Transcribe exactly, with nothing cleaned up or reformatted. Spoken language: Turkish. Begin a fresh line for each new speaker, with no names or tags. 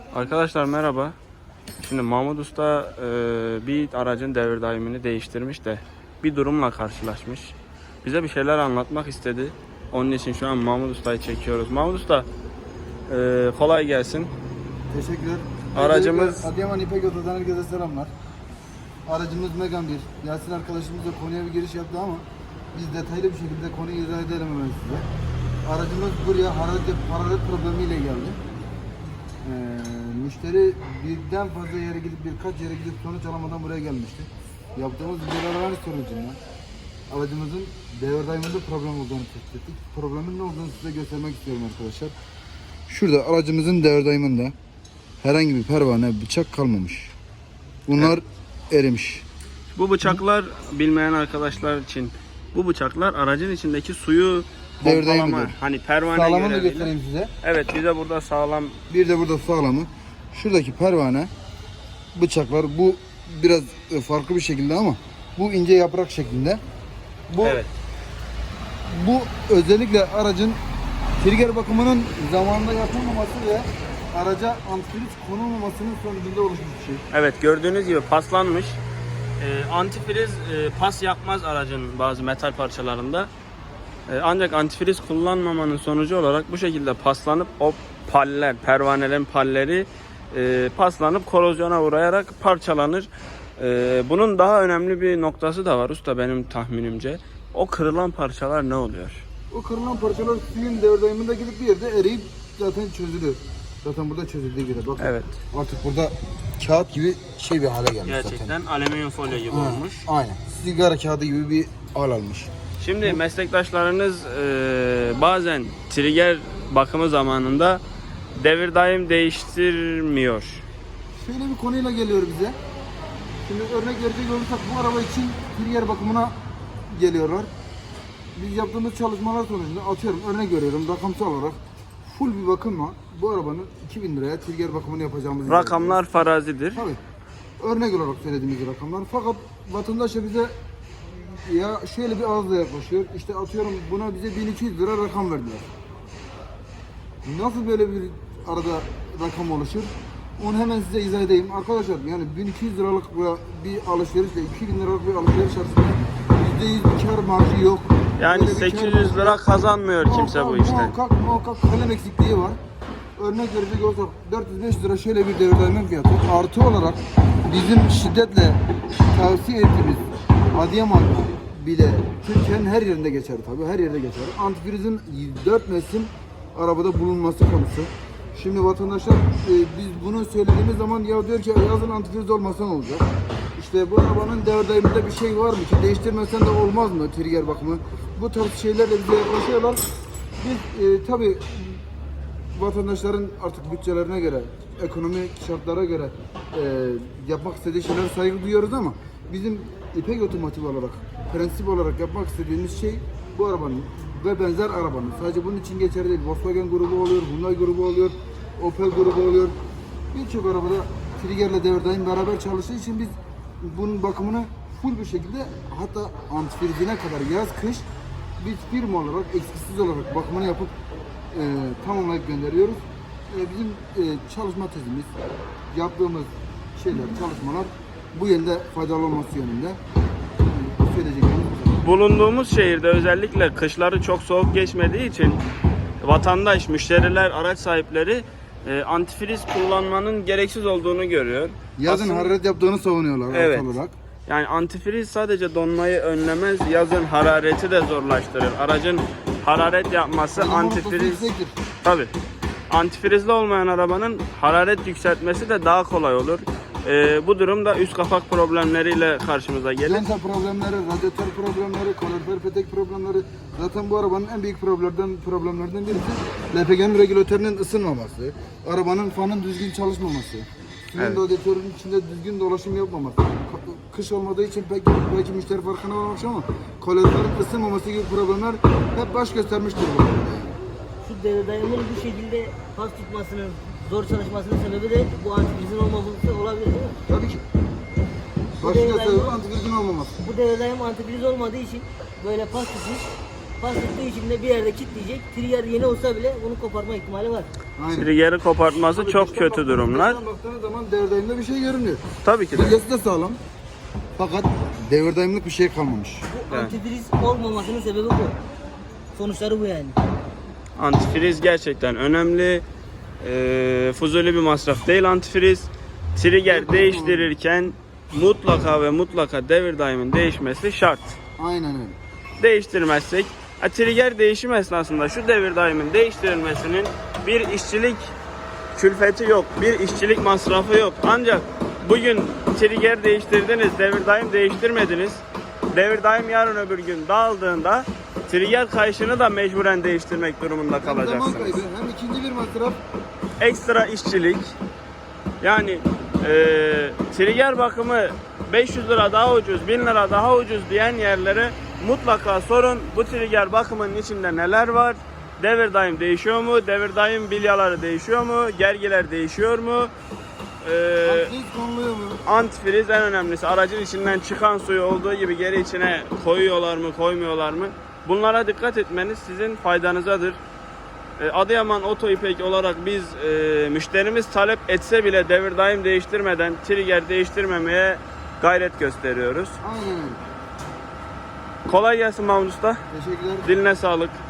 Arkadaşlar merhaba. Şimdi Mahmut Usta e, bir aracın devir daimini değiştirmiş de bir durumla karşılaşmış. Bize bir şeyler anlatmak istedi. Onun için şu an Mahmut Usta'yı çekiyoruz. Mahmut Usta e, kolay gelsin.
Teşekkürler.
Aracımız-
Öncelikle Adıyaman İpek Oto'dan herkese selamlar. Aracımız Megane bir. Yasin arkadaşımız da konuya bir giriş yaptı ama biz detaylı bir şekilde konuyu izah edelim hemen size. Aracımız buraya hararet, hararet problemiyle geldi. Ee, müşteri birden fazla yere gidip birkaç yere gidip sonuç alamadan buraya gelmişti. Yaptığımız videolar sonucunda aracımızın devir daiminde problem olduğunu tespit ettik. Problemin ne olduğunu size göstermek istiyorum arkadaşlar. Şurada aracımızın devir daiminde herhangi bir pervane, bıçak kalmamış. Bunlar erimiş.
Bu bıçaklar bilmeyen arkadaşlar için bu bıçaklar aracın içindeki suyu
Devir daimi
pompalama,
diyor.
hani pervane
Sağlamını da
göreviyle.
göstereyim size.
Evet, bize burada sağlam.
Bir de burada sağlamı. Şuradaki pervane, bıçaklar bu biraz e, farklı bir şekilde ama bu ince yaprak şeklinde. Bu
Evet.
bu özellikle aracın trigger bakımının zamanında yapılmaması ve araca antifriz konulmamasının sonucunda oluşmuş bir şey.
Evet, gördüğünüz gibi paslanmış. Ee, antifriz e, pas yapmaz aracın bazı metal parçalarında. Ee, ancak antifriz kullanmamanın sonucu olarak bu şekilde paslanıp o paller, pervanelerin palleri e, paslanıp korozyona uğrayarak parçalanır. Ee, bunun daha önemli bir noktası da var usta, benim tahminimce. O kırılan parçalar ne oluyor?
O kırılan parçalar suyun devir daiminde gidip bir yerde eriyip zaten çözülür. Zaten burada çözüldüğü gibi. Bakın.
Evet.
Artık burada kağıt gibi şey bir hale gelmiş
Gerçekten
zaten.
alüminyum folyo gibi
Ha,
olmuş.
aynen. Sigara kağıdı gibi bir hal almış.
Şimdi meslektaşlarınız e, bazen trigger bakımı zamanında devir daim değiştirmiyor.
Şöyle bir konuyla geliyor bize. Şimdi örnek verecek olursak bu araba için trigger bakımına geliyorlar. Biz yaptığımız çalışmalar sonucunda atıyorum örnek veriyorum rakamsal olarak full bir bakımla bu arabanın iki bin liraya trigger bakımını yapacağımızı
Rakamlar farazidir.
tabii. Örnek olarak söylediğimiz rakamlar. Fakat vatandaş da bize ya şöyle bir ağızla yaklaşıyor. İşte atıyorum buna bize bin iki yüz lira rakam verdiler. Nasıl böyle bir arada rakam oluşur? Onu hemen size izah edeyim. Arkadaşlar yani bin iki yüz liralık bir alışverişle iki bin liralık bir alışveriş arasında yüzde yüz bir kar marjı yok.
Yani
Böyle bir
sekiz
kar
yüz lira kazanmıyor kimse bu
Muhakkak,
işten.
Muhakkak muhakkak kalem eksikliği var. Örnek verecek olursak dört yüz beş lira şöyle bir devir daimi fiyatı. Artı olarak bizim şiddetle tavsiye ettiğimiz Adıyaman bile Türkiye'nin her yerinde geçer tabii. Her yerde geçer. Antifrizin dört mevsim arabada bulunması konusu. Şimdi vatandaşlar e, biz bunu söylediğimiz zaman ya diyor ki yazın antifriz olmasa ne olacak? İşte bu arabanın devir daiminde bir şey var mı ki değiştirmesen de olmaz mı trigger bakımı? Bu tarz şeylerle bize yaklaşıyorlar. Biz e, tabii vatandaşların artık bütçelerine göre, ekonomik şartlara göre e, yapmak istediği şeylere saygı duyuyoruz ama bizim İpek Otomotiv olarak, prensip olarak yapmak istediğimiz şey bu arabanın ve benzer arabanın, sadece bunun için geçerli değil, Volkswagen grubu oluyor, Hyundai grubu oluyor, Opel grubu oluyor. Birçok arabada triggerle devir daim beraber çalıştığı için biz bunun bakımını full bir şekilde hatta antifrizine kadar yaz kış biz firma olarak eksiksiz olarak bakımını yapıp e, tamamlayıp gönderiyoruz. E, bizim e, çalışma tezimiz, yaptığımız şeyler, çalışmalar bu yönde faydalı olması yönünde. E, söyleyeceklerimiz bu kadar.
Bulunduğumuz şehirde özellikle kışları çok soğuk geçmediği için vatandaş, müşteriler, araç sahipleri e, antifriz kullanmanın gereksiz olduğunu görüyor.
Yazın
Aslında-
hararet yaptığını savunuyorlar
Evet.
evet. olarak.
Yani antifriz sadece donmayı önlemez, yazın harareti de zorlaştırır. Aracın hararet yapması
Yanma noktası
antifriz...
yüksektir.
Tabii. Antifrizli olmayan arabanın hararet yükseltmesi de daha kolay olur. Ee, bu durumda üst kapak problemleriyle karşımıza gelir.
Lenta problemleri, radyatör problemleri, kalorifer petek problemleri. Zaten bu arabanın en büyük problemlerden problemlerden birisi L P G'nin regülatörünün ısınmaması, arabanın fanın düzgün çalışmaması, suyun
Evet.
radyatörün içinde düzgün dolaşım yapmaması. Ka- Kış olmadığı için pek belki müşteri farkına varmamış ama kaloriferin ısınmaması gibi problemler hep baş göstermiştir bu arabada.
Şu devir daiminin bu şekilde pas tutmasının, zor çalışmasının sebebi de bu antifrizin olmaması olabilir değil mi?
Tabii ki.
Bu
Başka
devir
sebebi
daimi-
antifrizin olmaması.
Bu devir daim antifriz olmadığı için böyle pas tutmuş, pas tuttuğu için de bir yerde kilitleyecek. Trigger yeni olsa bile bunu koparma ihtimali var.
Aynen.
Trigger'i kopartması
Tabii
çok
dıştan
kötü
baktığınız-
durumlar.
dıştan baktığınız zaman devir daiminde bir şey görünüyor.
Tabii ki de.
Trigger'si de sağlam. Fakat devir daimlik bir şey kalmamış.
Bu
Evet.
antifriz olmamasının sebebi bu. Sonuçları bu yani.
Antifriz gerçekten önemli. Ee, fuzuli bir masraf değil antifriz. Trigger değiştirirken mutlaka ve mutlaka devir daimin değişmesi şart.
Aynen öyle.
Değiştirmezsek, ha, trigger değişim esnasında şu devir daimin değiştirilmesinin bir işçilik külfeti yok, bir işçilik masrafı yok. Ancak bugün trigger değiştirdiniz, devir daim değiştirmediniz. Devir daim yarın öbür gün dağıldığında trigger kayışını da mecburen değiştirmek durumunda
Hem zaman
kalacaksınız.
kaybı hem ikinci bir masraf.
Ekstra işçilik. Yani e, trigger bakımı beş yüz lira daha ucuz, bin lira daha ucuz diyen yerlere mutlaka sorun. Bu trigger bakımının içinde neler var? Devir daim değişiyor mu? Devir daim bilyaları değişiyor mu? Gergiler değişiyor mu? E,
Antifriz konuluyor mu?
antifriz en önemlisi. Aracın içinden çıkan suyu olduğu gibi geri içine koyuyorlar mı, koymuyorlar mı? Bunlara dikkat etmeniz sizin faydanızadır. E, Adıyaman Oto İpek olarak biz e, müşterimiz talep etse bile devir daim değiştirmeden trigger değiştirmemeye gayret gösteriyoruz.
Aynen öyle.
Kolay gelsin Mahmut Usta.
Teşekkürler.
Diline sağlık.